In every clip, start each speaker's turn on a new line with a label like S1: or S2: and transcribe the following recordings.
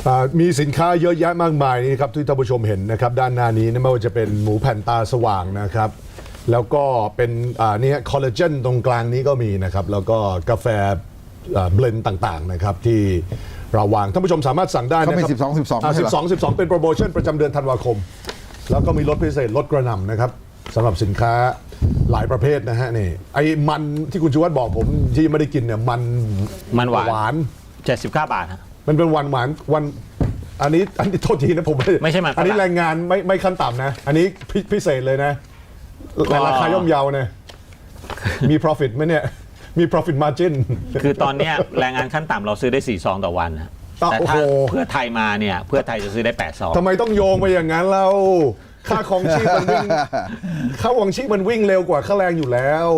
S1: มีสินค้าเยอะแยะมากมายนี่ครับที่ท่านผู้ชมเห็นนะครับด้านหน้านี้ไม่ว่าจะเป็นหมูแผ่นตาสว่างนะครับแล้วก็เป็นนี่คอลลาเจนตรงกลางนี้ก็มีนะครับแล้วก็กาแฟเบลนด์ต่างๆนะครับที่เราวางท่านผู้ชมสามารถสั่งได้นะครับ
S2: เขามี
S1: 12เป็นโปรโมชั่นประจำเดือนธันวาคมแล้วก็มีลดพิเศษลดกระหน่ำนะครับสำหรับสินค้าหลายประเภทนะฮะนี่ไอ้มันที่คุณชูวัฒน์บอกผมที่ไม่ได้กินเนี่ยมันหวาน
S3: 79 บาทฮะ
S1: มันเป็นวันหวานวันอันนี้โทษทีนะผม
S3: ไม่ใช่มัน
S1: อันนี้แรงงานไม่ขั้นต่ำนะอันนี้พิเศษเลยนะราคาย่อมเยานะมี profit ไหมเนี่ยมี profit margin
S3: คือตอนเนี้ยแรงงานขั้นต่ำเราซื้อได้4 ซองต่อวันนะแต่ถ้าเพื่อไทยมาเนี่ยเพื่อไทยจะซื้อได้8 ซอง
S1: ทำไมต้องโยงไปอย่างนั้นเราค่าของชีพมันวิ่งค่าของชีพมันวิ่งเร็วกว่าค่าแรงอยู่แล้ว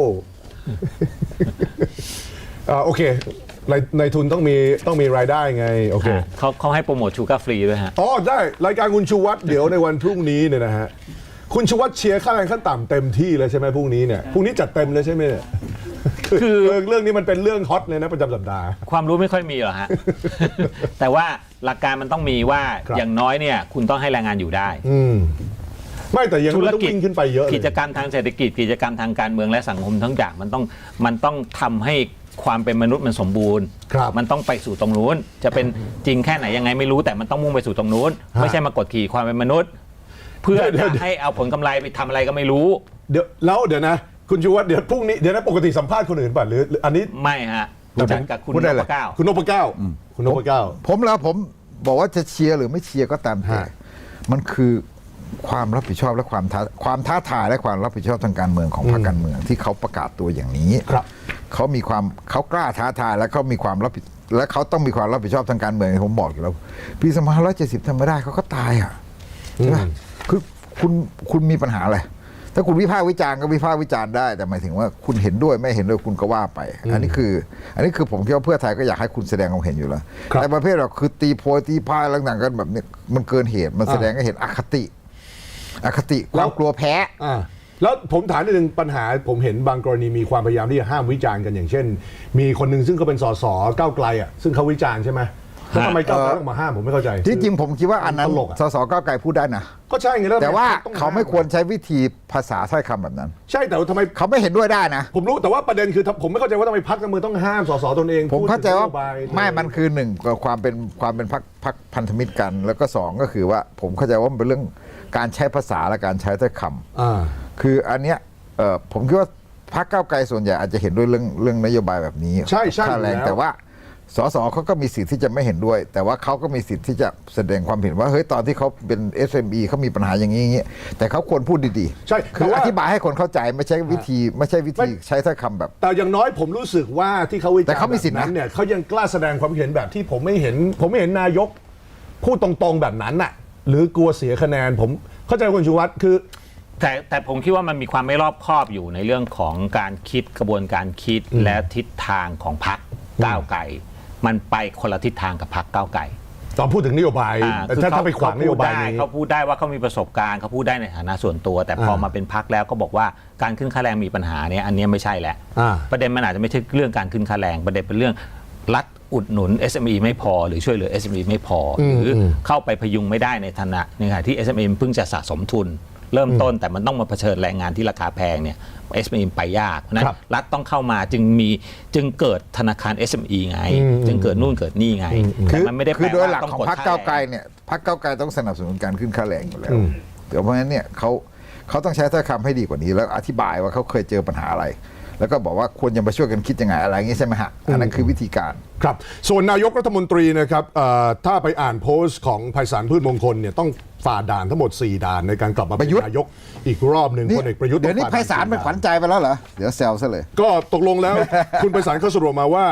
S1: โอเคในทุนต้องมีรายได้ไงโอเค
S3: เขาให้โปรโมทชูการ์ฟรีด้วยฮะ
S1: อ๋อได้รายการคุณชูวัฒน์เดี๋ยวในวันพรุ่งนี้เนี่ยนะฮะคุณชูวัฒน์เชียร์ค่าแรงขั้นต่ำเต็มที่เลยใช่ไหมพรุ่งนี้เนี่ยพรุ่งนี้จัดเต็มเลยใช่ไหมเนี่ยคือเรื่องนี้มันเป็นเรื่องฮอตเลยนะประจำสัปดาห์
S3: ความรู้ไม่ค่อยมีหรอฮะ แต่ว่าหลักการมันต้องมีว่าอย่างน้อยเนี่ยคุณต้องให้แรงงานอยู่ได้
S1: ไม่แต่ยังต้องวิ่งขึ้นไปเยอะ
S3: กิจกรรมทางเศรษฐกิจกิจกรรมทางการเมืองและสังคมทั้งอย่างมันต้องทำให้ความเป็นมนุษย์มันสมบูรณ์มันต้องไปสู่ตรงนู้นจะเป็นจริงแค่ไหนยังไงไม่รู้แต่มันต้องมุ่งไปสู่ตรงนู้นไม่ใช่มากดขี่ความเป็นมนุษย์เพื่อจะให้เอาผลกำไรไปทำอะไรก็ไม่รู้
S1: เดี๋ยวนะคุณชูวัฒน์เดี๋ยวพรุ่งนี้เดี๋ยวนะปกติสัมภาษณ์คนอื่นป่ะหรืออันนี้
S3: ไม่ฮะจัดกับคุณนพเก้า
S1: คุณนพเก้า
S2: ผมบอกว่าจะเชียร์หรือไม่เชียร์ก็ตามแต่มันคือความรับผิดชอบและความท้าทายและความรับผิดชอบทางการเมืองของพรรคการเมืองที่เขาประกาศตัวอย่างนี้เขากล้าท้าทายและเขามีความรับผิดและเขาต้องมีความรับผิดชอบทางการเมืองผมบอกอยู่แล้วปี2570ทำไม่ได้เขาก็ตายอ่ะใช่ไหมคือคุณมีปัญหาอะไรถ้าคุณวิพากษ์วิจารณ์ก็วิพากษ์วิจารณ์ได้แต่หมายถึงว่าคุณเห็นด้วยไม่เห็นด้วยคุณก็ว่าไปอันนี้คือผมคิดว่าเพื่อไทยก็อยากให้คุณแสดงความเห็นอยู่แล้วแต่ประเภทเราคือตีโพยตีพายต่างๆกันแบบนี้มันเกินเหตุมันแสดงให้เห็นอคติความกลัวแพ้
S1: แล้วผมถามนิดนึงปัญหาผมเห็นบางกรณีมีความพยายามที่จะห้ามวิจารณ์กันอย่างเช่นมีคนหนึ่งซึ่งเขาเป็นสสก้าวไกลอ่ะซึ่งเขาวิจารณ์ใช่ไหมแล้วทำไมก้าวไกลต้องมาห้ามผมไม่เข้าใจ
S2: ที่จริงผมคิดว่าอันนั้นสสก้าวไกลพูดได้นะ
S1: ก็ใช่ไง
S2: แต่ว่าเขาไม่ควรใช้วิธีภาษาถ้อยคำแบบนั้น
S1: ใช่แต่ทำไม
S2: เขาไม่เห็นด้วยได้นะ
S1: ผมรู้แต่ว่าประเด็นคือผมไม่เข้าใจว่าทำไมพรรคการเมืองต้องห้ามสสตนเอง
S2: ผมเข้าใจว่าไม่มันคือหนึ่งความเป็นพรรคพันธมิตรกันแล้วก็สองก็คือว่าผมเข้าใจว่ามันเป็นเรื่องการใช้ภาษาและการใช้ถ้อยคำคืออันเนี้ยผมคิดว่าพรรคก้าวไกลส่วนใหญ่อาจจะเห็นด้วยเรื่องนโยบายแบบนี้
S1: ใช่
S2: ค่าแรงแต่ว่าสสเขาก็มีสิทธิ์ที่จะไม่เห็นด้วยแต่ว่าเขาก็มีสิทธิ์ที่จะแสดงความเห็นว่าเฮ้ยตอนที่เขาเป็น SME เขามีปัญหาอย่างนี้แต่เขาควรพูดดี
S1: ๆใช่
S2: คืออธิบายให้คนเข้าใจไม่ใช่วิธีใช้ถ้อยคำแบบ
S1: แต่อย่างน้อยผมรู้สึกว่าที่เขาวิจารณ์
S2: แต่เขามีสิทธิ์
S1: นั้นเนี่ยเขายังกล้าแสดงความเห็นแบบที่ผมไม่เห็นนายกพูดตรงๆแบบนั้นน่ะหรือกลัวเสียคะแนนผมเข้าใจคุณชูวัฒน์คือ
S3: แต่ผมคิดว่ามันมีความไม่รอบคอบอยู่ในเรื่องของการคิดกระบวนการคิดและทิศทางของพรรคก้าวไกลมันไปคนละทิศทางกับพรรคก้าวไกล
S1: ตอนพูดถึงนโยบายถ้าไปขวางนโยบายนี้
S3: เขาพูดได้ว่าเขามีประสบการณ์เขาพูดได้ในฐานะส่วนตัวแต่พอมาเป็นพรรคแล้วก็บอกว่าการขึ้นค่าแรงมีปัญหาเนี่ยอันนี้ไม่ใช่แหละประเด็นมันอาจจะไม่ใช่เรื่องการขึ้นค่าแรงประเด็นเป็นเรื่องรัฐอุดหนุน SME ไม่พอหรือช่วยเหลือ SME ไม่พอหรือเข้าไปพยุงไม่ได้ในฐานะในขณะที่ SME เพิ่งจะสะสมทุนเริ่มต้นแต่มันต้องมาเผชิญแรงงานที่ราคาแพงเนี่ย SME ไปยากเพราะนั้นรัฐต้องเข้ามาจึงเกิดธนาคาร SME ไงจึงเกิดนู่นเกิดนี่ไง
S2: แต่มันไม่ได้แปลว่าโดยหลักของพรรคก้าวไกลเนี่ยพรรคก้าวไกลต้องสนับสนุนการขึ้นค่าแรงอยู่แล้วเพราะฉะนั้นเนี่ยเขาต้องใช้ถ้อยคำให้ดีกว่านี้แล้วอธิบายว่าเขาเคยเจอปัญหาอะไรแล้วก็บอกว่าควรจะมาช่วยกันคิดยังไงอะไรอย่างนี้ใช่ไหมฮะอันนั้นคือวิธีการ
S1: ครับส่วนนายกรัฐมนตรีนะครับถ้าไปอ่านโพสต์ของไพศาลพืชมงคลเนี่ยต้องฝ่าด่านทั้งหมด4ด่านในการกลับมาเป็นนายกอีกรอบหนึ่งพลเอกประยุทธ์
S2: เดี๋ยวนี้ไพศาลเป็นขวัญใจไปแล้วเหรอเดี๋ยวแซวซะเลย
S1: ก็ตกลงแล้ว คุณไพศาลเขาสรุปมาว่า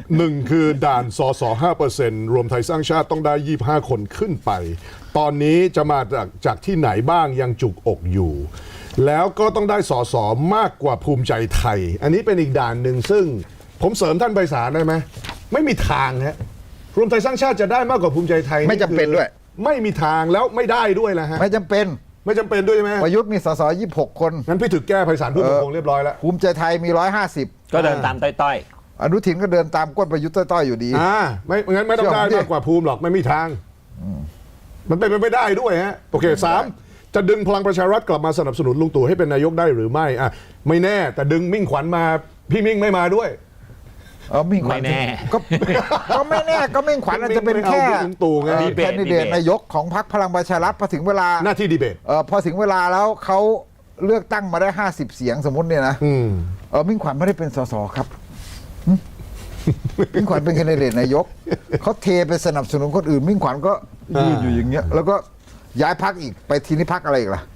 S1: 1คือด่านสส 5% รวมไทยสร้างชาติต้องได้25คนขึ้นไปตอนนี้จะมาจากที่ไหนบ้างยังจุกอกอยู่แล้วก็ต้องได้สสมากกว่าภูมิใจไทยอันนี้เป็นอีกด่านหนึ่งซึ่งผมเสริมท่านไพศาลได้ไหมไม่มีทางฮะรวมไทยสร้างชาติจะได้มากกว่าภูมิใจไทย
S2: ไม่จำเป็นด้วย
S1: ไม่มีทางแล้วไม่ได้ด้วยนะฮะ
S2: ไม่จำเป็น
S1: ด้วยใช่ไหม
S2: ประยุทธ์มีสส26คน
S1: งั้นพี่ถึกแก้ไพศาลพืชมงคลเรียบร้อยแล้ว
S2: ภูมิใจไทยมี150
S3: ก็เดินตามต้อย
S2: อนุทินก็เดินตามก้นประยุทธ์ต้อยๆอยู่ดี
S1: ไม่งั้นไม่ต้องได้มากกว่าภูมิหรอกไม่มีทางมันเป็นไปไม่ได้ด้วยฮะโอเคสามจะดึงพลังประชารัฐกลับมาสนับสนุนลุงตู่ให้เป็นนายกได้หรือไม่อ่ะไม่แน่แต่ดึงมิ่งขวัญมาพี่มิ่งไม่มาด้วย
S2: มิ่งขวัญ
S3: ไม่แน่
S2: ก็ไม่แน่ก็มิ่งขวัญอาจจะเป็นแค่
S1: ไม่เอาลุงตู่ไง
S3: ดีเบต
S2: แคนดิเดตนายกของพรรคพลังประชารัฐพอถึงเวลา
S1: หน้าที่ดีเบต
S2: พอถึงเวลาแล้วเขาเลือกตั้งมาได้50 เสียงสมมติเนี่ยนะมิ่งขวัญไม่ได้เป็นสสครับมิ่งขวัญเป็นแคนดิเดตนายกเขาเทไปสนับสนุนคนอื่นมิ่งขวัญก็ยืนอยู่อย่างเงี้ยแล้วก็ย้ายพักอีกไปทีนี้พักอะไรอีกล่ะ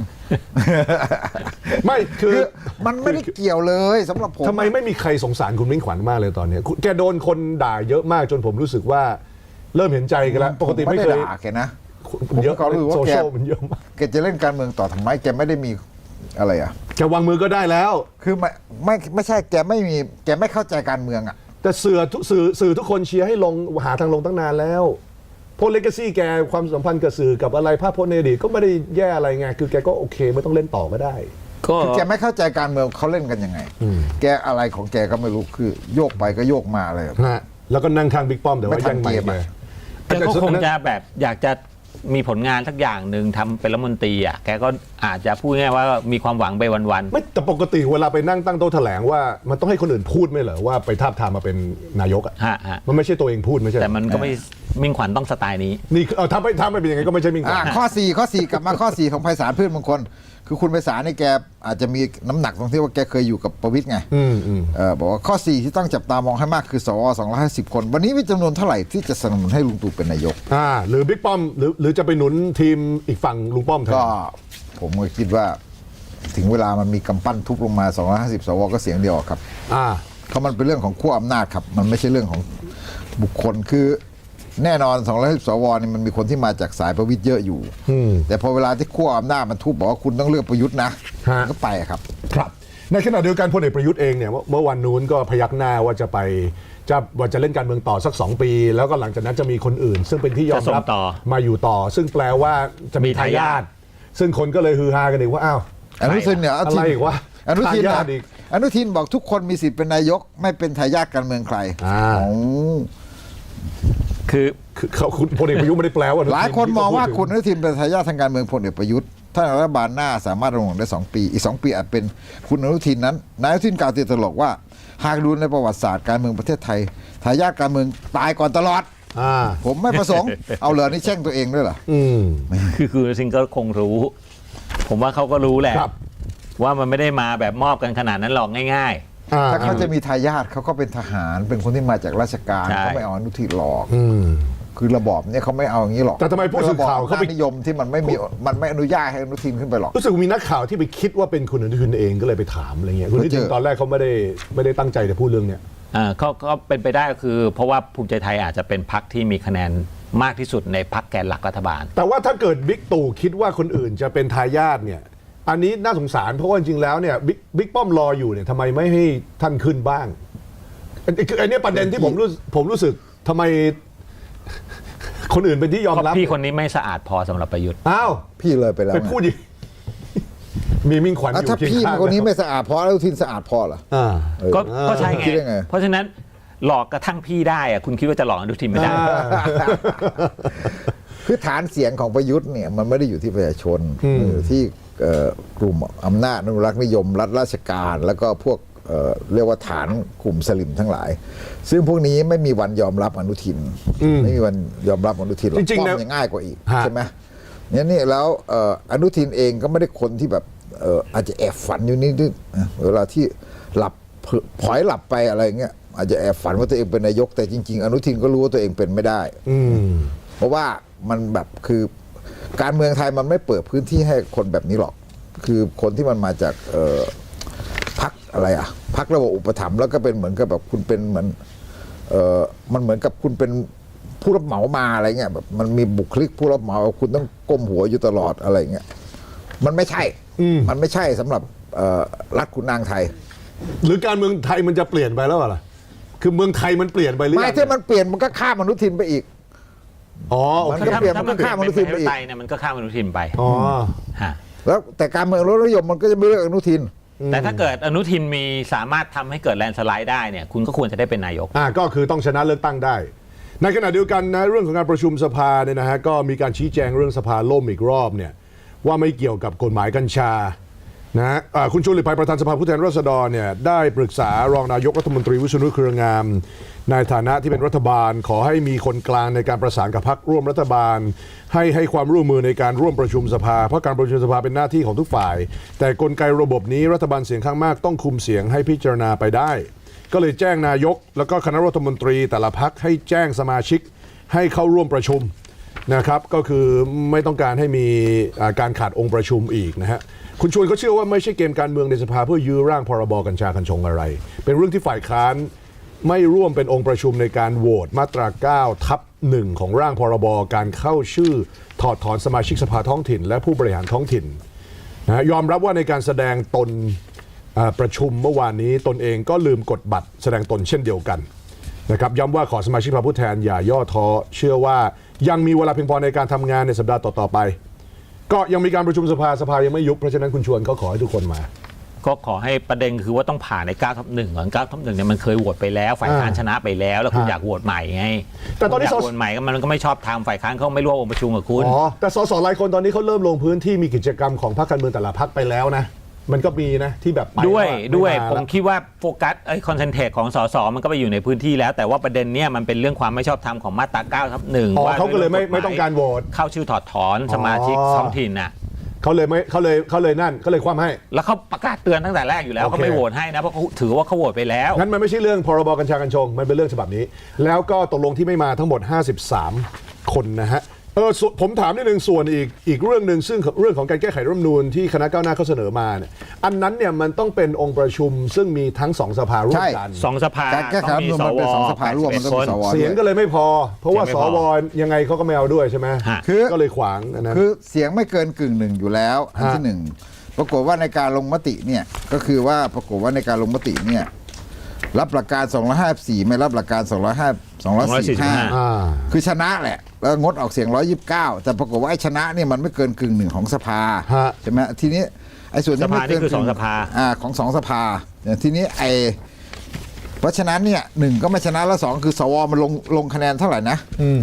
S1: ไม่คือ
S2: มันไม่ได้เกี่ยวเลยสำหรับผม
S1: ทำไมไม่มีใครสงสารคุณมิ่งขวัญมากเลยตอนนี้แกโดนคนด่าเยอะมากจนผมรู้สึกว่าเริ่มเห็นใจกันแล้วปกติไม่เคย
S2: ด้ด่าแกนะ
S1: เยอะ
S2: ผมก็รู้ว่า
S1: โซ
S2: แก
S1: เชียลมันเยอะมาก
S2: แกจะเล่นการเมืองต่อทำไมแกไม่ได้มีอะไรอ่ะ
S1: แกวางมือก็ได้แล้ว
S2: คือไม่ใช่แกไม่เข้าใจการเมืองอ่ะ
S1: แต่สื่อทุกคนเชียร์ให้ลงหาทางลงตั้งนานแล้วโพลเลกาซี่แกความสัมพันธ์กับสื่อกับอะไรภาพพจน์ในอดีตก็ไม่ได้แย่อะไรไงคือแกก็โอเคไม่ต้องเล่นต่อก็ได้
S3: ก็
S2: คือแกไม่เข้าใจการเมืองเขาเล่นกันยังไง แกอะไรของแกก็ไม่รู้คือโยกไปก็โยกมาเลย
S1: ฮะแล้วก็นั่งข้างบิ๊กป้อมแต่ว่า
S2: ไม่ทั
S1: ยั
S2: น
S1: งไม่
S2: เกม
S1: ไป
S2: อะ
S3: แกก็คงจะแบบอยากจะมีผลงานสักอย่างหนึ่งทำเป็นรัฐมนตรีอ่ะแกก็อาจจะพูดง่ายๆว่ามีความหวังไปวัน
S1: ไม่แต่ปกติเวลาไปนั่งตั้งโต๊ะแถลงว่ามันต้องให้คนอื่นพูดไม่เหรอว่าไปทาบทามมาเป็นนายกอ่ะ
S3: ฮะ
S1: มันไม่ใช่ตัวเองพูดไม่ใช่
S3: แต่มันก็ไม่มิ่งขวัญต้องสไตล์นี้
S1: นี่ถ้าไม่เป็นยังไงก็ไม่ใช่มิ่งขวัญ
S2: ข้อ4กลับมาข้อ 4 ของไพศาลพืชมงคลคือคุณไพศาลนี่แกอาจจะมีน้ำหนักตรงที่ว่าแกเคยอยู่กับประวิตรไงบอกว่าข้อ 4 ที่ต้องจับตามองให้มากคือสว250 คน วันนี้มีจำนวนเท่าไหร่ที่จะสนับสนุนให้ลุงตู่เป็นนายก
S1: หรือบิ๊กป้อมหรือจะไปหนุนทีมอีกฝั่งลุงป้อมแทน
S2: ก็ผมก็คิดว่าถึงเวลามันมีกำปั้นทุบลงมา250 สวก็เสียงเดียวครับเพราะมันเป็นเรื่องของขั้วอำนาจครับมันไม่ใช่เรื่องของบุคคลคือแน่นอน210 สวนี่มันมีคนที่มาจากสายประวิตรเยอะอยู่แต่พอเวลาที่ขั้วอำนาจมันทุบบอกว่าคุณต้องเลือกประยุทธ์นะก็ไปครับ
S1: ครับในขณะเดียวกันพลเอกประยุทธ์เองเนี่ยเมื่อวันนู้นก็พยักหน้าว่าจะไปว่าจะเล่นการเมืองต่อสัก2 ปี แล้วก็หลังจากนั้นจะมีคนอื่น ซึ่งเป็นที่ยอมรับมาอยู่ต่อ ซึ่งแปลว่าจะมีทายาทซึ่งคนก็เลยฮือฮากันอีกว่าอ้าว
S2: อนุทินเนี่ย
S1: อะไรอีกวะ
S2: อนุทิน
S1: ทายาทอีก
S2: อนุทินบอกทุกคนมีสิทธิ์เป็นนายกไม่เป็นทายาทการเมืองใคร
S3: คือ
S1: เขาพลเอกประยุทธ์ไม่ได้แปลว่า
S2: หลายคนมองว่าคุณอนุทินเป็นทายาททางการเมืองพลเอกประยุทธ์ถ้ารัฐบาลหน้าสามารถดำรงได้2 ปีอีก2 ปีอาจเป็นคุณอนุทินนั้นนายอนุทินกล่าวติดตลกว่าหากดูในประวัติศาสตร์การเมืองประเทศไทยทายาทการเมืองตายก่อนตลอดผมไม่ประสงค์ เอาเหรอนี่แช่งตัวเองด้วยเหรอ
S3: คือซิงก็คงรู้ ผมว่าเขาก็รู้แหละว่ามันไม่ได้มาแบบมอบกันขนาดนั้นหรอกง่ายๆ
S2: ถ้าเขาจะมีทายาทเขาก็เป็นทหารเป็นคนที่มาจากราชการ
S3: ใช่
S2: เขาไม่เอาอนุทินหรอกคือระบอบเนี่ยเขาไม่เอาอย่างนี้หรอก
S1: แต่ทำไมผู้สื่อข่าวเขาไป
S2: ระบอบอำนจนิยมที่มันไม่อนุญาตให้อนุทินขึ้นไปหรอก
S1: รู้สึกมีนักข่าวที่ไปคิดว่าเป็นคุณอนุทินเองก็เลยไปถามอะไรเงี้ยคุณอนุทินตอนแรกเขาไม่ได้ตั้งใจจะพูดเรื่องเนี้ย
S3: ก็เป็นไปได้ก็คือเพราะว่าภูมิใจไทยอาจจะเป็นพรรคที่มีคะแนนมากที่สุดในพรรคแกนหลักรัฐบาล
S1: แต่ว่าถ้าเกิดบิ๊กตู่คิดว่าคนอื่นจะเป็นทายาทเนี่ยอันนี้น่าสงสารเพราะว่าจริงๆแล้วเนี่ยบิ๊กป้อมรออยู่เนี่ยทำไมไม่ให้ท่านขึ้นบ้างอันนี้ประเด็นที่ผมรู้สึกทำไมคนอื่นเป็นที่ยอมรับ
S3: พี่คนนี้ไม่สะอาดพอสำหรับประยุทธ์
S1: อ้าว
S2: พี่เลยไปแล้ว
S1: ไปพูดดิมีมิ่งขวัญอยู่
S2: ถ้า
S1: เคียง
S2: พี่
S1: ข้าง
S2: คนนี้ไม่สะอาดพออนุทินสะอาดพอเหรอ
S3: ก็ใช่ไง
S2: คิดได้ไง
S3: เพราะฉะนั้นหลอกกระทั่งพี่ได้อะคุณคิดว่าจะหลอกอนุทินไม่ได้
S2: คือฐานเสียงของประยุทธ์เนี่ยมันไม่ได้อยู่ที่ประชาชนอยู่ที่กลุ่มอำนาจอนุรักษ์นิยมรัฐราชการแล้วก็พวกเรียกว่าฐานกลุ่มสลิมทั้งหลาย ซึ่งพวกนี้ไม่มีวันยอมรับอนุทินไม่มีวันยอมรับอนุทินหรอก
S1: จริงๆ
S2: ป้อ
S1: นะ
S2: มยังง่ายกว่าอีกใช่ไหมนี่แล้วอนุทินเองก็ไม่ได้คนที่แบบอาจจะแอบฝันอยู่นิดๆเวลาที่หลับพลอยหลับไปอะไรเงี้ยอาจจะแอบฝันว่าตัวเองเป็นนายกแต่จริงๆอนุทินก็รู้ว่าตัวเองเป็นไม่ได้เพราะว่ามันแบบคือการเมืองไทยมันไม่เปิดพื้นที่ให้คนแบบนี้หรอกคือคนที่มันมาจากพรรคอะไรอ่ะพรรคระบบอุปถัมภ์แล้วก็เป็นเหมือนกับแบบคุณเป็นเหมือนมันเหมือนกับคุณเป็นผู้รับเหมามาอะไรเงี้ยแบบมันมีบุคลิกผู้รับเหมาคุณต้องก้มหัวอยู่ตลอดอะไรเงี้ยมันไม่ใช่มันไม่ใช่สำหรับรัฐขุนนางไทย
S1: หรือการเมืองไทยมันจะเปลี่ยนไปแล้วเหรอคือเมืองไทยมันเปลี่ยนไปหรือ
S2: ไม่
S1: ยัง
S2: ถ้ามันเปลี่ยนมันก็ข้ามอนุทินไปอีก
S1: อ๋อโอ
S2: มัน
S1: เค
S2: ก็เปลี่ยนมันก็ข้ามอนุทินไปอีก
S3: เนี่ยมันก็ข้ามอนุทินไป
S1: อ๋อ
S3: ฮะ
S2: แล้วแต่การเมืองรสนิยมมันก็จะไม่เลือกอนุทิน
S3: แต่ถ้าเกิดอนุทินมีสามารถทำให้เกิดแลนด์สไลด์ได้เนี่ยคุณก็ควรจะได้เป็นนายก
S1: ก็คือต้องชนะเลือกตั้งได้ในขณะเดียวกันนะเรื่องของการประชุมสภาเนี่ยนะฮะก็มีการชี้แจงเรื่องสภาล่มอีกรอบเนี่ยว่าไม่เกี่ยวกับกฎหมายกัญชานะฮะคุณชวนหลีกภัยประธานสภาผู้แทนราษฎรเนี่ยได้ปรึกษารองนายกรัฐมนตรีวิษณุเครืองามในฐานะที่เป็นรัฐบาลขอให้มีคนกลางในการประสานกับพรรคร่วมรัฐบาลให้ความร่วมมือในการร่วมประชุมสภาเพราะการประชุมสภาเป็นหน้าที่ของทุกฝ่ายแต่กลไกระบบนี้รัฐบาลเสียงข้างมากต้องคุมเสียงให้พิจารณาไปได้ก็เลยแจ้งนายกแล้วก็คณะรัฐมนตรีแต่ละพรรคให้แจ้งสมาชิกให้เข้าร่วมประชุมนะครับก็คือไม่ต้องการให้มีการขาดองค์ประชุมอีกนะฮะคุณชวนเขาเชื่อว่าไม่ใช่เกมการเมืองในสภาเพื่อยื้อร่างพรบกัญชากัญชงอะไรเป็นเรื่องที่ฝ่ายค้านไม่ร่วมเป็นองค์ประชุมในการโหวตมาตรา 9/1 ของร่างพรบการเข้าชื่อถอดถอนสมาชิกสภาท้องถิ่นและผู้บริหารท้องถิ่นนะยอมรับว่าในการแสดงตนประชุมเมื่อวานนี้ตนเองก็ลืมกดบัตรแสดงตนเช่นเดียวกันนะครับย้ำว่าขอสมาชิกสภาผู้แทนอย่าย่อท้อเชื่อว่ายังมีเวลาเพียงพอในการทำงานในสัปดาห์ต่อๆไปก็ยังมีการประชุมสภายังไม่ยุบเพราะฉะนั้นคุณชวนก็ขอให้ทุกคนมา
S3: ก็ขอให้ประเด็นคือว่าต้องผ่านใน 9/1 ก่อน 9/1 เนี่ยมันเคยโหวตไปแล้วฝ่ายค้านชนะไปแล้วแล้วคุณอยากโหวตใหม่ไง
S1: แต่ตอนนี้
S3: อยากโหวตใหม่มันก็ไม่ชอบทางฝ่ายค้านเขาไม่ร่วมองค์ประชุมกับคุณ
S1: แต่สสหลายคนตอนนี้เขาเริ่มลงพื้นที่มีกิจกรรมของพรรคการเมืองแต่ละพรรคไปแล้วนะมันก็มีนะที่แบบ
S3: ด้วยผมคิดว่าโฟกัสคอนเซนเทรตของสสมันก็ไปอยู่ในพื้นที่แล้วแต่ว่าประเด็นเนี้ยมันเป็นเรื่องความไม่ชอบธรรมของมาตรา 9/1
S1: ว่าเขาก็เลยไม่ต้องการโหวต
S3: เข้าชื่อถอดถอนสมาชิกท้องถิ่นน่ะ
S1: เขาเลยนั่นก็เลยคว่ำให้
S3: แล้วเขาประกาศเตือนตั้งแต่แรกอยู่แล้วเขาไม่โหวตให้นะเพราะเขาถือว่าเขาโหวตไปแล้ว
S1: งั้นมันไม่ใช่เรื่องพรบกัญชากัญชงมันเป็นเรื่องฉบับนี้แล้วก็ตกลงที่ไม่มาทั้งหมด53คนนะฮะผมถามนิดนึงส่วนอีกเรื่องหนึ่งซึ่งเรื่องของการแก้ไขรัฐธรรมนูญที่คณะก้าวหน้าเขาเสนอมาเนี่ยอันนั้นเนี่ยมันต้องเป็นองค์ประชุมซึ่งมีทั้ง2สภาร่วมกัน
S3: 2สภา
S2: การแก้ไขรัฐธรรมนูญมันเป็น2สภาร่วมมันต้องมีสว
S1: เสียงก็เลยไม่พอเพราะว่าสวยังไงเขาก็ไม่เอาด้วยใช่ไหมก็เลยขวางนะ
S2: คือเสียงไม่เกิน1/กอยู่แล้วอันที่1ปรากฏว่าในการลงมติเนี่ยก็คือว่าปรากฏว่าในการลงมติเนี่ยรับหลักการ254ไม่รับหลักการ245คือชนะแหละแล้วงดออกเสียง129แต่ปรากฏว่าไอ้ชนะเนี่ยมันไม่เกิน1/กของสภาใช่ไหมทีนี้ไอ้ส่วนที่ไม่เกิน
S3: 2สภา
S2: ของ2สภาทีนี้เพราะฉะนั้นเนี่ย1ก็ไม่ชนะแล้ว2คือสวมันลงคะแนนเท่าไหร่นะ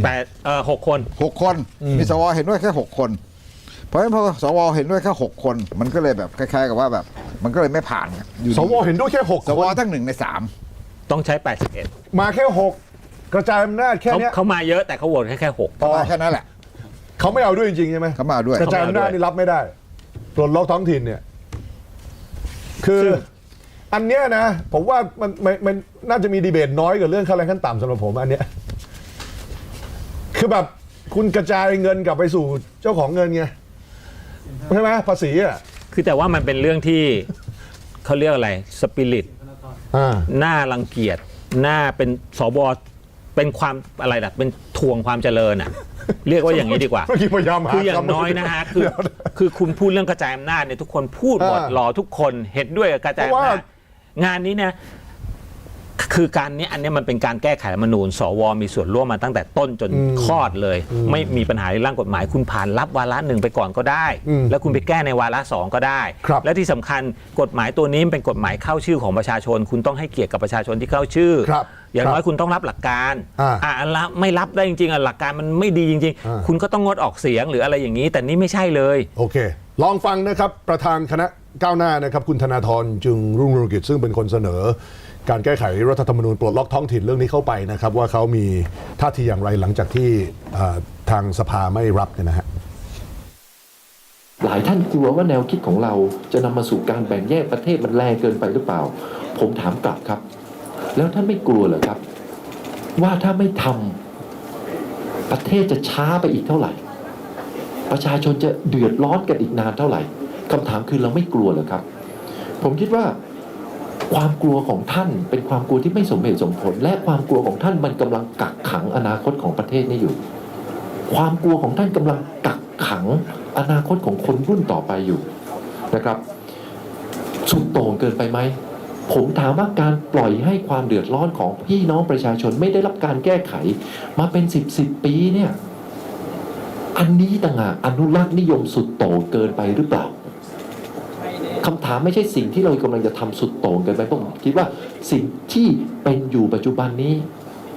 S3: 6 คน
S2: 6 คนมีสวเห็นด้วยแค่6 คนเพราะฉะนั้นพอสวเห็นด้วยแค่6 คนมันก็เลยแบบคล้ายๆกับว่าแบบมันก็เลยไม่ผ่าน
S1: สวเห็นด้วยแค่6
S2: สวทั้ง1 ใน 3
S3: ต้องใช้81
S1: มาแค่6กระจายอำนาจแค่นี้
S3: เขามาเยอะแต่เขาโหวตแค่6
S2: ก็แค่นั้นแหละ
S1: เขาไม่เอาด้วยจริงๆใช่ไหม
S2: เขามาด้วย
S1: กระจายอำนาจนี่รับไม่ได้ปลดล็อกท้องถิ่นเนี่ยคืออันเนี้ยนะผมว่ามันน่าจะมีดีเบตน้อยกว่าเรื่องค่าแรงขั้นต่ำสำหรับผมอันเนี้ยคือแบบคุณกระจายเงินกลับไปสู่เจ้าของเงินไงใช่ไหมภาษีอ่ะ
S3: คือแต่ว่ามันเป็นเรื่องที่เขาเรียกอะไรสปิริตน่ารังเกียจน่าเป็นสวเป็นความอะไรล่ะเป็นทวงความเจริญอ่ะเรียกว่าอย่างนี้ดีกว่าคืออย่างน้อยนะฮะคือคุณพูดเรื่องกระจายอำนาจเนี่ยทุกคนพูดหมดหล่อทุกคนเห็นด้วยกับกระจายอำนาจงานนี้เนี่ยคือการนี้อันนี้มันเป็นการแก้ไขรัฐธรรมนูญสวมีส่วนร่วมมาตั้งแต่ต้นจนคลอดเลยไม่มีปัญหาในร่างกฎหมายคุณผ่านรับวาระ1ไปก่อนก็ได้แล้วคุณไปแก้ในวาระ2ก็ได้และที่สำคัญกฎหมายตัวนี้เป็นกฎหมายเข้าชื่อของประชาชนคุณต้องให้เกียรติกับประชาชนที่เข้าชื่ออย่างน้อยคุณต้องรับหลักการไม่รับได้จริงๆหลักการมันไม่ดีจริงๆคุณก็ต้องงดออกเสียงหรืออะไรอย่างนี้แต่นี่ไม่ใช่เลย
S1: โอเคลองฟังนะครับประธานคณะก้าวหน้านะครับคุณธนาธรจึงรุ่งเรืองกิจซึ่งเป็นคนเสนอการแก้ไขรัฐธรรมนูญปลดล็อกท้องถิ่นเรื่องนี้เข้าไปนะครับว่าเขามีท่าทีอย่างไรหลังจากที่ทางสภาไม่รับเนี่ยนะฮะ
S4: หลายท่านกลัวว่าแนวคิดของเราจะนำมาสู่การแบ่งแยกประเทศมันแรงเกินไปหรือเปล่าผมถามกลับครับแล้วท่านไม่กลัวเหรอครับว่าถ้าไม่ทำประเทศจะช้าไปอีกเท่าไหร่ประชาชนจะเดือดร้อนกันอีกนานเท่าไหร่คำถามคือเราไม่กลัวเหรอครับผมคิดว่าความกลัวของท่านเป็นความกลัวที่ไม่สมเหตุสมผลและความกลัวของท่านมันกำลังกักขังอนาคตของประเทศนี้อยู่ความกลัวของท่านกำลังกักขังอนาคตของคนรุ่นต่อไปอยู่นะครับสุดโต่งเกินไปไหมผมถามว่าการปล่อยให้ความเดือดร้อนของพี่น้องประชาชนไม่ได้รับการแก้ไขมาเป็น10 ปีเนี่ยอันนี้ต่างหากอนุรักษ์นิยมสุดโต่งเกินไปหรือเปล่าคำถามไม่ใช่สิ่งที่เรากำลังจะทำสุดโต่งเกินไปผมคิดว่าสิ่งที่เป็นอยู่ปัจจุบันนี้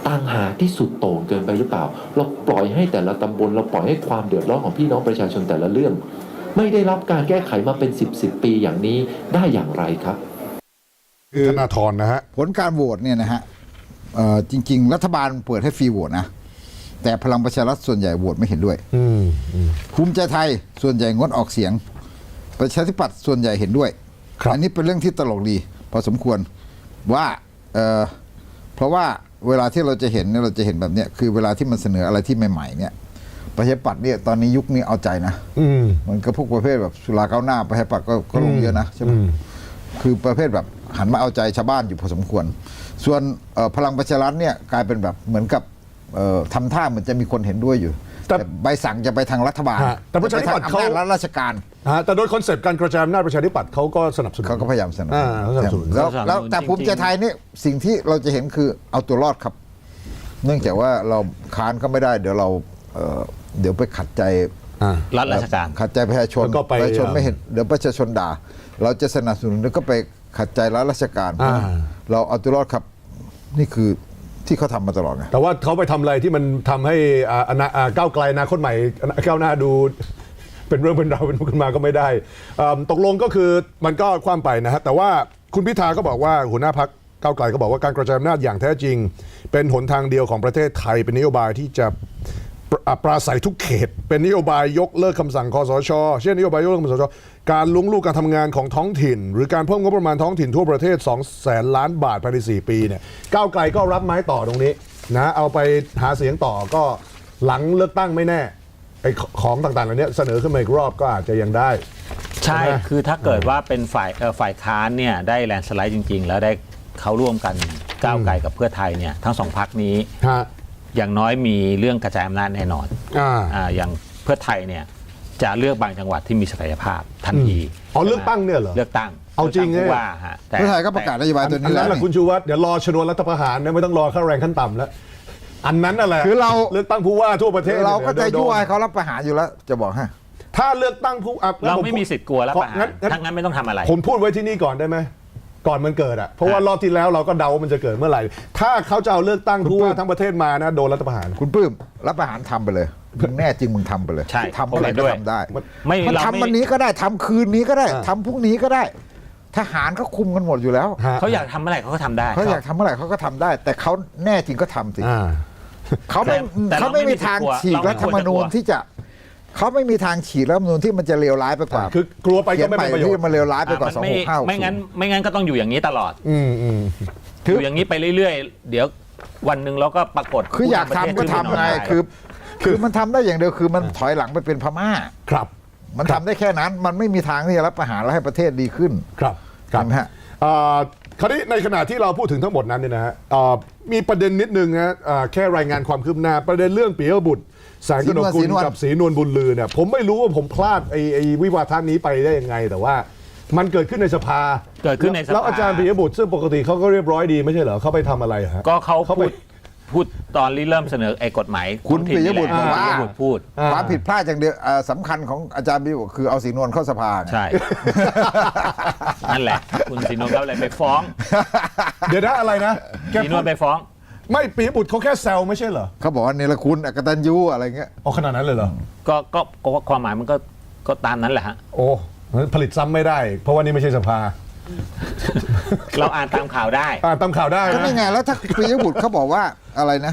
S4: ต่างหากที่สุดโต่งเกินไปหรือเปล่าเราปล่อยให้แต่ละตำบลเราปล่อยให้ความเดือดร้อนของพี่น้องประชาชนแต่ละเรื่อง ไม่ได้รับการแก้ไขมาเป็น10 ปีอย่างนี้ได้อย่างไรครับ
S1: ธนาธรนะฮะ
S2: ผลการโหวตเนี่ยนะฮะจริง ๆ รัฐบาลเปิดให้ฟรีโหวตนะแต่พลังประชารัฐส่วนใหญ่โหวตไม่เห็นด้วยภูมิใจไทยส่วนใหญ่งดออกเสียงประชาธิปัตย์ส่วนใหญ่เห็นด้วย
S1: ครับ
S2: อันนี้เป็นเรื่องที่ตลกดีพอสมควรว่าเพราะว่าเวลาที่เราจะเห็นเนี่ยเราจะเห็นแบบเนี้ยคือเวลาที่มันเสนออะไรที่ใหม่ๆเนี่ยประชาธิปัตย์เนี่ยตอนนี้ยุคนี้เอาใจนะมันก็พวกประเภทแบบสุราก้าวหน้าประชาธิปัตย์ก็ลงเยอะนะใช่ไหมคือประเภทแบบหันมาเอาใจชาวบ้านอยู่พอสมควรส่วนพลังประชารัฐเนี่ยกลายเป็นแบบเหมือนกับทำท่าเหมือนจะมีคนเห็นด้วยอยู่แต่ใบสั่งจะไปทางรัฐบาล
S1: แต่ประชาธิปัตย์เขา
S2: อำนาจรัฐราชการ
S1: แต่โดยคอนเซปต์การกระจายอำนาจประชาธิปัตย์เขาก็สนับสนุน
S2: เขาก็พยายามสนับสนุน
S1: เขาสนับสนุน
S2: แล้วแต่ภูมิใจไทยนี่สิ่งที่เราจะเห็นคือเอาตัวรอดครับ เนื่องจากว่าเราค้านก็ไม่ได้เดี๋ยวเราเดี๋ยวไปขัดใจ
S3: รัฐราชการ
S2: ขัดใจประชาชน
S1: แล้วก็ไป
S2: ประชาชนไม่เห็นเดี๋ยวประชาชนด่า เราจะสนับสนุนแล้วก็ไปขัดใจรัฐราชการ เราเอาตัวรอดครับนี่คือที่เขาทำมาตลอดไง
S1: แต่ว่าเขาไปทำอะไรที่มันทำให้ก้าวไกลอนาคตใหม่ก้าวหน้าดูเป็นเรื่องเป็นราวเป็นขึ้นมาก็ไม่ได้ตกลงก็คือมันก็คว่ำไปนะฮะแต่ว่าคุณพิธาก็บอกว่าหัวหน้าพรรคก้าวไกลก็บอกว่าการกระจายอำนาจอย่างแท้จริง เป็นหนทางเดียวของประเทศไทยเป็นนโยบายที่จะปราศัยทุกเขต เป็นนโยบายยกเลิกคำสั่งคสช.เช่นนโยบายยกเลิกคำสั่งคสช.การลุ้งลูกการทำงานของท้องถิ่น หรือการเพิ่มงบประมาณท้องถิ่นทั่วประเทศ 200,000 ล้านบาทภายใน4 ปีเนี่ยก้าวไกลก็รับไม้ต่อตรงนี้นะเอาไปหาเสียงต่อก็หลังเลือกตั้งไม่แน่ไอ้ของต่างๆเหล่านี้เสนอขึ้นมาอีกรอบก็อาจจะยังได้
S3: ใช่
S1: ใช่ไหม
S3: คือถ้าเกิดว่าเป็นฝ่ายค้านเนี่ยได้แลนด์สไลด์จริง ๆ แล้วได้เขาร่วมกันก้าวไกลกับเพื่อไทยเนี่ยทั้งสองพรรคนี้
S1: ฮะ
S3: อย่างน้อยมีเรื่องกระจายอำนาจแน่นอน อย่างเพื่อไทยเนี่ยจะเลือกบางจังหวัดที่มีศักยภาพทันที
S1: เลือกตั้งเนี่ยเหรอ
S3: เลือกตั้ง
S1: เอาจริง
S3: ลืกตั้
S1: เนี่ย
S3: ผู้ว่าฮะแต่
S2: เพื่อไทยก็ประกาศนโยบายตัว
S1: อั
S2: นี้
S1: น
S2: แล้
S1: นั้
S2: วน
S1: แหละคุณชูวัฒน์เดี๋ยวรอชนวนรัฐประหารนะไม่ต้องรอค่าแรงขั้นต่ำแล้วอันนั้นน่ะแหละ
S2: คือเรา
S1: เลือกตั้งผู้ว่าทั่วประเทศ
S2: เราก็จะ
S1: โดน
S2: ยั่วให้เขารับประหารอยู่แล้วจะบอกให้
S1: ถ้าเลือกตั้งผู้งั้น
S3: เรา
S1: ผ
S3: ไม่มีสิทธิ์กลัวแล้วประหาร
S1: งั้น
S3: ทั้งนั้นไม่ต้องทำอะไร
S1: ผมพูดไว้ที่นี่ก่อนได้ไหมก่อนมันเกิดอ่ะเพราะว่ารอบที่แล้วเราก็เดาว่ามันจะเกิดเมื่อไหร่ถ้าเขาจะเอาเลือกตั้งผู้ว่าทั้งประเทศมานะโดนรัฐประหาร
S2: คุณปื้มรับประหารทำไปเลยมึงแน่จริงมึงทำไปเลย
S3: ใช่
S2: ทำอะไรก็ทำได้
S3: ไม่
S2: มัน
S3: เรา
S2: ทำ
S3: ไม่
S2: วันนี้ก็ได้ทำคืนนี้ก็ได้ทำพรุ่งนี้ก็ได้ทหารเขาคุมกันหมดอยู่แล้ว
S3: เขาอยากทำเมื่อไหร่เขาก็ทำได้
S2: เขาอยากทำเมื่อไหร่เขาก็ทำได้ แต่เขาแน่จริงก็ทำสิ เขาไม่
S3: แต่
S2: เขาไม่มีทางฉีกรัฐธรรมนูญที่จะเขาไม่มีทางฉีกรัฐธรรมนูญที่มันจะเลวร้ายไปกว่า
S1: คือกลัวไป
S2: เขี
S1: ก็
S2: ยน
S1: ไม่
S2: ใหม่
S1: เป็นประโยช
S2: ที่
S1: น์
S2: มันเลวร้ายไปกว่า
S3: มันไม่งั้น
S2: 2650
S3: ไม่งั้นก็ต้องอยู่อย่างนี้ตลอด อยู่อย่างนี้ไปเรื่อยๆ เดี๋ยววันหนึ่งเราก็ปรากฏ
S2: คืออยากทำก็ทำไงคือมันทำได้อย่างเดียวคือมันถอยหลังไปเป็นพม่า
S1: ครับ
S2: มันทำได้แค่นั้นมันไม่มีทางที่จะรับประหารแล้วให้ประเทศดีขึ้น
S1: ครับ
S2: ใช่ไหมฮะ
S1: คราวนี้ในขณะที่เราพูดถึงทั้งหมดนั้นเนี่ยนะฮะมีประเด็นนิดนึงนะแค่รายงานความคืบหน้าประเด็นเรื่องปิยบุตรแสงกนกกุลกับศรีนวลบุญลือเนี่ยผมไม่รู้ว่าผมพลาดไอ้วิวาทนี้ไปได้ยังไงแต่ว่ามันเกิดขึ้นในสภา
S3: เกิดขึ้นในสภา
S1: แล้วอาจารย์ปิยบุตรซึ่งปกติเขาก็เรียบร้อยดีไม่ใช่เหรอเขาไปทำอะไรฮะ
S3: ก็เขา
S1: เขาไป
S3: พูดตอนเริ่มเสนอไอ้กฎหมาย
S2: คุณ
S3: ท้องถิ่น
S2: ปิยบุตร
S3: นี่
S2: บอก
S3: แหละ
S2: ว่า
S3: ปิยบุตรพูด
S2: ความผิดพลาดอย่างเดียวสำคัญของอาจารย์บิวคือเอาสีนวลเข้าสภาไง
S3: ใช่ นั่นแหละ คุณศรีนวลก็เลยไปฟ้อง
S1: เดี๋ยวนะอะไรนะแก
S3: ศรีนวลไปฟ้อง
S1: ไม่ปิยบุตรเขาแค่แซวไม่ใช่เหรอ
S2: เขาบอกว่าเนรคุณอกตัญญูอะไรเงี้ย
S1: อ๋อขนาดนั้นเลยเหรอ
S3: ก็ความหมายมันก็ตามนั้นแหละฮะ
S1: โอ้ผลิตซ้ำไม่ได้ เพราะว่านี่ไม่ใช่สภา
S3: เราอ่านตามข่าวได้
S1: ตามข่าวได้
S2: ก็
S1: นะ
S2: นี่ไงแล้วถ้าปิยบุตรเขาบอกว่าอะไรนะ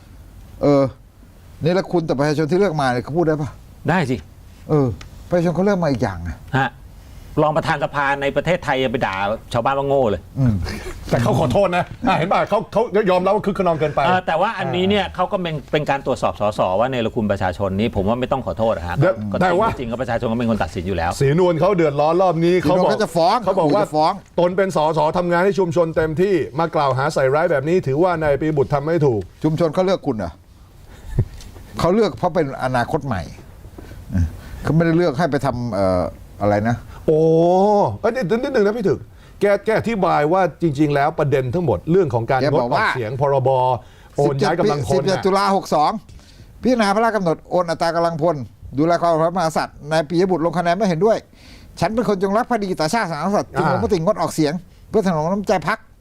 S2: เนรคุณแต่ประชาชนที่เลือกมาเนี่ยเขาพูดได้ปะ
S3: ได้สิ
S2: ประชาชนเขาเลือกมาอีกอย่างนะ
S3: ฮะรองประธานสภาในประเทศไทยยังไปด่าชาวบ้านว่าโง่เลย
S1: แต่เขาขอโทษนะเห็นป่ะเขายอมรับว่าคึกขนองเกินไป
S3: แต่ว่าอันนี้เนี่ยเขาก็เป็นการตรวจสอบสสว่าเนรคุณประชาชนนี้ผมว่าไม่ต้องขอโทษนะฮะ
S1: แต่ว่า
S3: จริงๆก็ประชาชนก็เป็นคนตัดสินอยู่แล้ว
S1: ศรีนวลเขาเดือดร้อนรอบนี้เขาบอก
S2: เขาจะฟ้อง
S1: เขาบอกว่า
S2: จะฟ้อง
S1: ตนเป็นสสทำงานให้ชุมชนเต็มที่มากล่าวหาใส่ร้ายแบบนี้ ถือว่านายปิยบุตรทำไม่ถูก
S2: ชุมชนเขาเลือกคุณเหรอ เขาเลือกเพราะเป็นอนาคตใหม่เขาไม่ได้เลือกให้ไปทำอะไรนะ
S1: โอ้นิดนึงนะพี่ถึกแกอธิบายว่าจริง ๆ แล้วประเด็นทั้งหมดเรื่องของการ
S2: แก
S1: ง
S2: บ
S1: ด
S2: อก
S1: อ
S2: ว่า
S1: อกเสียงพรบโอนย้ายกำลังพล
S2: 17 ตุลา62พิจารณาพระราชกำหนดโอนอัตรากำลังพลดูแลความพระมหากษัตริย์นายปิยบุตรลงคะแนนไม่เห็นด้วย ฉันเป็นคนจงรักภักดีต่อชาติศาสนาสัตว์จึงลงมติงดออกเสียง เพื่อถนอมน้ำใจพรรค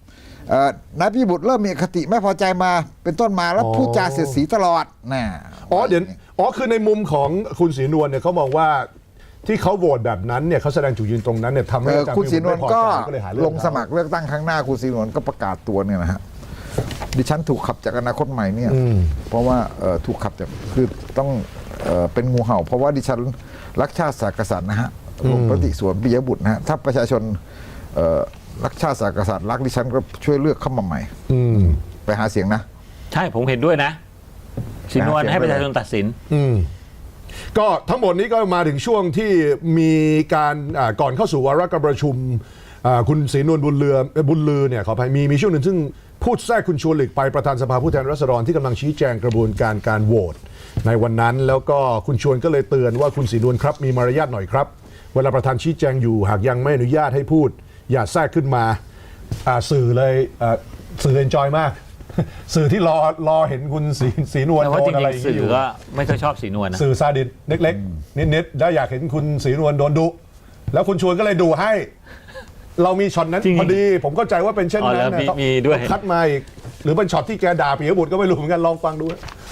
S2: นายปิยบุตรเริ่มมีอคติไม่พอใจมาเป็นต้นมาแล้วพูดจาเสียดสีตลอดน่ะ
S1: คือในมุมของคุณศรีนวลเนี่ยเขามองว่าที่เขาโหวตแบบนั้นเนี่ยเขาแสดงจุดยืนตรงนั้นเนี่ยทำให้อาจารย์
S2: คุณศรีนวลก็
S1: เลยหาเรื่อง
S2: ลงสมัครเลือกตั้งครั้งหน้าคุณศรีนวลก็ประกาศตัวเนี่ยนะฮะดิฉันถูกขับจากอนาคตใหม่เนี่ยเพราะว่าถูกขับจากคือต้องเป็นงูเห่า เพราะว่าดิฉันรักชาติศาสตร์กษัตริย์นะฮะลงปฏิสวนปิยบุตรนะฮะถ้าประชาชนรักชาติศาสตร์กษัตริย์รักดิฉันก็ช่วยเลือกเข้ามาใหม่ไปหาเสียงนะ
S3: ใช่ผมเห็นด้วยนะศรีนวลให้ประชาชนตัดสิน
S1: ก็ทั้งหมดนี้ก็มาถึงช่วงที่มีการก่อนเข้าสู่วาระการประชุมคุณศรีนวลบุญลือเนี่ยขออภัยมีช่วงหนึ่งซึ่งพูดแทรกคุณชวนหลีกภัยประธานสภาผู้แทนราษฎรที่กำลังชี้แจงกระบวนการโหวตในวันนั้นแล้วก็คุณชวนก็เลยเตือนว่าคุณศรีนวลครับมีมารยาทหน่อยครับเวลาประธานชี้แจงอยู่หากยังไม่อนุญาตให้พูดอย่าแทรกขึ้นมาสื่อเลยสื่อเอนจอยมากสื่อที่รอเห็นคุณศรีนวล
S3: แต่ว่า
S1: โด
S3: จ
S1: นอะไร
S3: ริ
S1: อง ย่าง
S3: ๆสื่
S1: นี้อ
S3: อยู่ ก็ไม่ค่อยชอบศรีนวลนะ
S1: สื่อซาดิสเล็กๆนิดๆแล้วอยากเห็นคุณศรีนวลโดนดุแล้วคุณชวนก็เลยดูให้ เรามีช็อตนั้นพอดีผมเข้าใจว่าเป็นเช่นนั้นนะ
S3: มีด้วย
S1: คัดมาอีกหรือเป็นช็อตที่แกด่าปิยบุตรก็ไม่รู้เหมือนกันลองฟังดู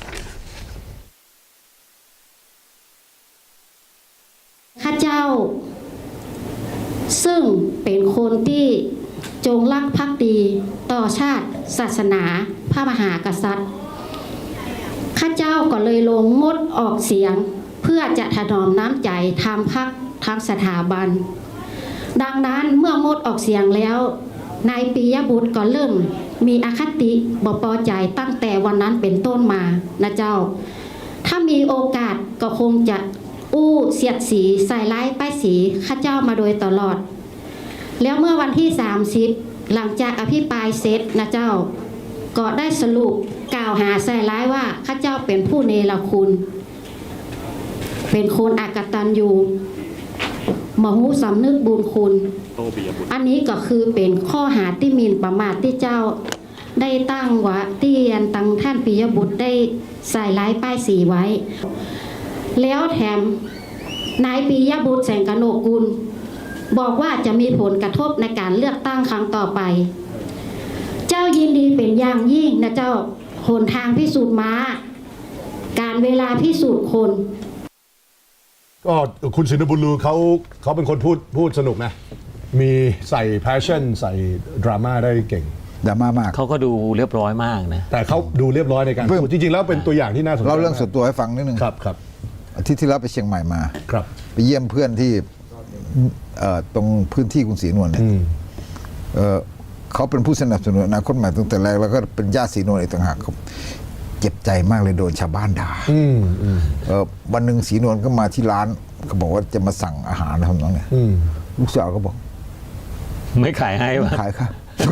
S5: ข้าเจ้าซึ่งเป็นคนที่จงรักภักดีต่อชาติศาสนาพระมหากษัตริย์ข้าเจ้าก็เลยลงงดออกเสียงเพื่อจะถนอมน้ำใจทางพรรคทางสถาบันดังนั้นเมื่องดออกเสียงแล้วนายปิยบุตรก็เริ่มมีอคติบ่พอใจตั้งแต่วันนั้นเป็นต้นมานะเจ้าถ้ามีโอกาสก็คงจะเสียดสีใส่ร้ายป้ายสีข้าเจ้ามาโดยตลอดแล้วเมื่อวันที่30หลังจากอภิปรายเสร็จนะเจ้าก็ได้สรุปกล่าวหาใส่ร้ายว่าข้าเจ้าเป็นผู้เนรคุณเป็นคนอกตัญญูมหูสำนึกบุญคุณอันนี้ก็คือเป็นข้อหาที่หมิ่นประมาทที่เจ้าได้ตั้งไว้ที่ตั้งท่านปิยบุตรได้ใส่ร้ายป้ายสีไว้แล้วแถมนายปิยบุตรแสงกนกกุลบอกว่าจะมีผลกระทบในการเลือกตั้งครั้งต่อไปเจ้ายินดีเป็นอย่างยิ่งนะเจ้าหนทางพิสูจน์ม้าการเวลาพิสูจน์คน
S1: ก็คุณศรีนวลบุญลือเขาเป็นคนพูดสนุกนะมีใส่ passion ใส่ดราม่าได้เก่ง
S2: ดราม่ามาก
S3: เขาก็ดูเรียบร้อยมากนะ
S1: แต่เขาดูเรียบร้อยในการพูดจริงๆแล้วเป็นตัวอย่างที่น่าสนใจ
S2: เราเรื่องส่วนตัวให้ฟังนิดนึง
S1: ครับ
S2: อาทิตย์ที่แล้วไปเชียงใหม่มา
S1: ครับ
S2: ไปเยี่ยมเพื่อนที่ตรงพื้นที่คุณศรีนวลเนี่ยเขาเป็นผู้สนับสนุนอนาคตใหม่ตั้งแต่แรกแล้วก็เป็นญาติศรีนวลอีกต่างหากครับเจ็บใจมากเลยโดนชาวบ้านด่าวันหนึ่งศรีนวลก็มาที่ร้านเขาบอกว่าจะมาสั่งอาหารทำน้องเนี่ยลูกสาวก็บอก
S3: ไม่ขายให้วะ
S2: ขายค่ะ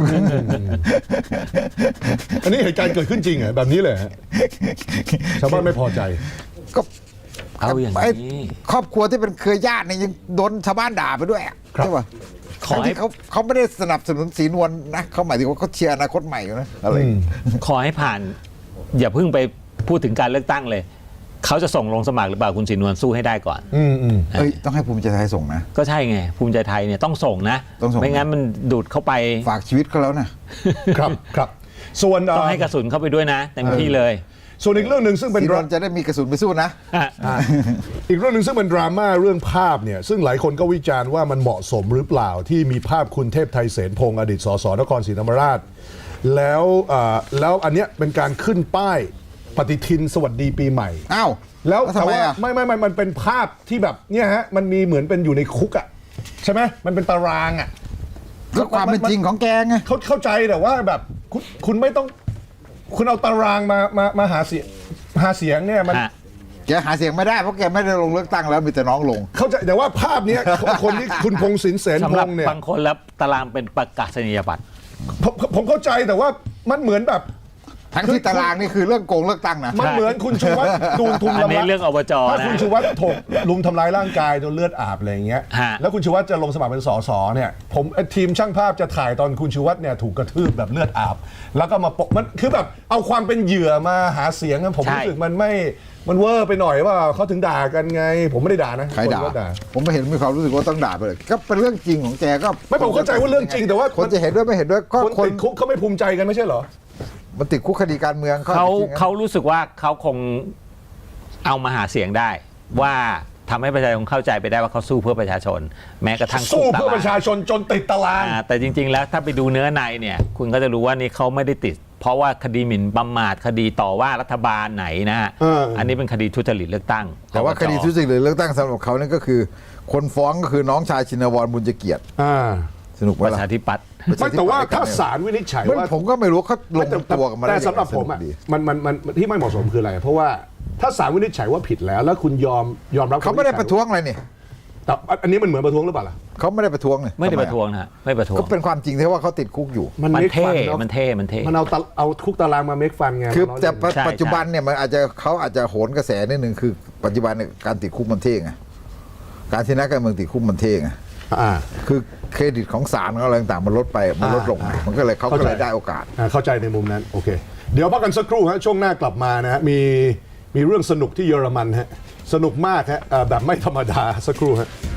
S1: อันนี้เหตุการณ์เกิดขึ้นจริงเหรอแบบนี้เลยฮะชาวบ้านไม่พอใจ
S2: ก็
S3: เอาอย่าง
S2: ไอ้
S3: นี้
S2: ครอบครัวที่เป็นเครือญาติเนี่ยยังโดนชาวบ้านด่าไปด้วยอะ
S1: ครับ
S2: ใช่ป่ะ
S3: ขอให้
S2: ที่เขาไม่ได้สนับสนุนศรีนวลนะเขาหมายถึงว่าเขาเชียร์อนาคตใหม่อยู่นะอะไร
S3: ขอให้ผ่านอย่าเพิ่งไปพูดถึงการเลือกตั้งเลยเขาจะส่งลงสมัครหรือเปล่าคุณศรีนวลสู้ให้ได้ก่อน
S2: เอ้ยต้องให้ภูมิใจไทยส่งนะ
S3: ก็ใช่ไงภูมิใจไทยเนี่ยต้องส่งนะ
S2: ต้องส่ง
S3: ไม่งั้นมันดูดเข้าไป
S2: ฝากชีวิตเขาแล้วนะครับ
S1: ส่วน
S3: ต้องให้กระสุนเข้าไปด้วยนะเต็มที่เลย
S1: ส่วนอีกเรื่องหนึ่งซึ่ง
S2: ศ
S1: เป็น
S2: รีนวลจะได้มีกระสุนไปสู้นะ
S1: อีกเรื่องหนึ่งซึ่งเป็นดราม่าเรื่องภาพเนี่ยซึ่งหลายคนก็วิจารณ์ว่ามันเหมาะสมหรือเปล่าที่มีภาพคุณเทพไทยเสนพงศ์อดีตสสนครศรีธรรมราชแล้วอันเนี้ยเป็นการขึ้นป้ายปฏิทินสวัสดีปีใหม่
S2: อ้าว
S1: แล้ว
S2: ทำ
S1: แต่
S2: ไม
S1: ว่า
S2: อ่ะ
S1: ไม่มันเป็นภาพที่แบบเนี่ยฮะมันมีเหมือนเป็นอยู่ในคุกอ่ะใช่ไหมมันเป็นตารางอ่ะ
S2: ก็ความเป็นจริงของแกไง
S1: เข้าใจแต่ว่าแบบคุณไม่ต้องคุณเอาตารางมาหาเสียงเนี่ยมัน
S2: แกหาเสียงไม่ได้เพราะแกไม่ได้ลงเลือกตั้งแล้วมีแต่น้องลง
S1: เข้าใจแต่ว่าภาพเนี้ย คนที่คุณพงศินเสน
S3: สำ
S1: พ
S3: หรับ
S1: งษ์เนี่ย
S3: บางคนแล้วตารางเป็นประกาศนียบัตร
S1: ผมเข้าใจแต่ว่ามันเหมือนแบบ
S2: ทั้งที่ตารางนี่คือเรื่องโกงเลือกตั้งนะ
S1: มันเหมือนคุณชูวัฒน์ดูทุม
S3: อันนี้
S1: ละ
S3: เรื่องอบจ
S1: ถ้า
S3: นะ
S1: คุณชูวัฒน์ถูกลุมทำร้ายร่างกายจนเลือดอาบอะไรอย่างเงี้ย
S3: ฮะ
S1: แล้วคุณชูวัฒน์จะลงสมัครเป็นสสเนี่ยผมทีมช่างภาพจะถ่ายตอนคุณชูวัฒน์เนี่ยถูกกระทืบแบบเลือดอาบ แล้วก็มาปกมันคือแบบเอาความเป็นเหยื่อมาหาเสียงอะผมรู้สึกมันเวอร์ไปหน่อยว่าเขาถึงด่ากันไง ผมไม่ได้ด่านะ
S2: ใครด่า
S1: นก็
S2: ผมไม่เห็นมีความรู้สึกว่าต้องด่าไปเลยก็เป็นเรื่องจริงของแกก็
S1: ไม่ผมเข้าใจว่าเรื่องจริงแต่ว่า
S2: คนจะเห็นด้วยไม่เห็นด้วยก็
S1: คน
S2: คน
S1: ติดคุกเขาไม่ภูมิใจกันไม่ใช่เหรอ
S2: มันติดคุกคดีการเมือง
S3: เขา
S2: จริงๆนะ
S3: เขารู้สึกว่าเขาคงเอามาหาเสียงได้ ว่าทำให้ประชาชนเข้าใจไปได้ว่าเขาสู้เพื่อประชาชน แม้กระทั่ง
S1: สู้เพื่อ
S3: คุกตาราง
S1: ประชาชนจนติดตาราง
S3: แต่จริง ๆ แล้วถ้าไปดูเนื้อในเนี่ย คุณก็จะรู้ว่านี่เขาไม่ได้ติด เพราะว่าคดีหมิ่นประมาทคดีต่อว่ารัฐบาลไหนนะฮะ อันนี้เป็นคดีทุจริตเลือกตั้ง
S2: แต่ว่าคดีทุจริตเลือกตั้งสำหรับเขานั่นก็คือ คนฟ้องก็คือน้องชายชินวรบุญเกียรติสนุกไหม
S3: ประ
S2: ล่ะ
S3: ชาธิปัตย์
S1: ไม่แต่ว่าถ้าศาลวินิจฉัย
S2: มัน
S1: ว่า
S2: ผมก็ไม่รู้เขาลงตัวกันมาได้
S1: แต่
S2: ยังไง
S1: สำหรับผมอ่ะ
S2: สนุกดี
S1: มันที่ไม่เหมาะสมคืออะไร เพราะว่าถ้าศาลวินิจฉัยว่าผิดแล้วคุณยอมรับ
S2: เขาไม่ได้ประท้วงอะไรนี่
S1: แต่อันนี้มันเหมือนประท้วงหรือเปล่าล่ะ
S2: เขาไม่ได้ประท้วงเลย
S3: ไม่ได้
S2: ทำ
S3: ประท้วงนะฮะไม่ประท้วง
S2: ก็เป็นความจริงที่ว่าเขาติดคุกอยู่
S3: มัน
S1: make
S3: เท่
S1: fun เนอะ
S3: มันเท่มันเท่
S1: มันเอาคุกตารางมาเมคฟันไง
S2: คือ
S1: มันล้
S2: แต่
S1: เล่น
S3: ใช่
S2: ปัจจุบันเนี่ยมันอาจจะเขาอาจจะโหนกระแสนิดนึงคือ ปัจจุบันเนี่ยการติดคุกมันเท่ไงการที่นักการเมืองติดคุกมันเท่ไง
S1: อ่า
S2: คือเครดิตของศาลของอะไรต่างๆมันลดไปมันลดลงไงมันก็เลยเขาก็เลยได้โอกาส
S1: เข้าใจในมุมนั้นโอเค เดี๋ยวพักกันสักครู่ฮะช่วงหน้ากลับมานะฮะมีเรื่องสนุกที่เยอรมันฮะสนุกมากฮะแบบไม่ธรรมดาสักครู่ฮะ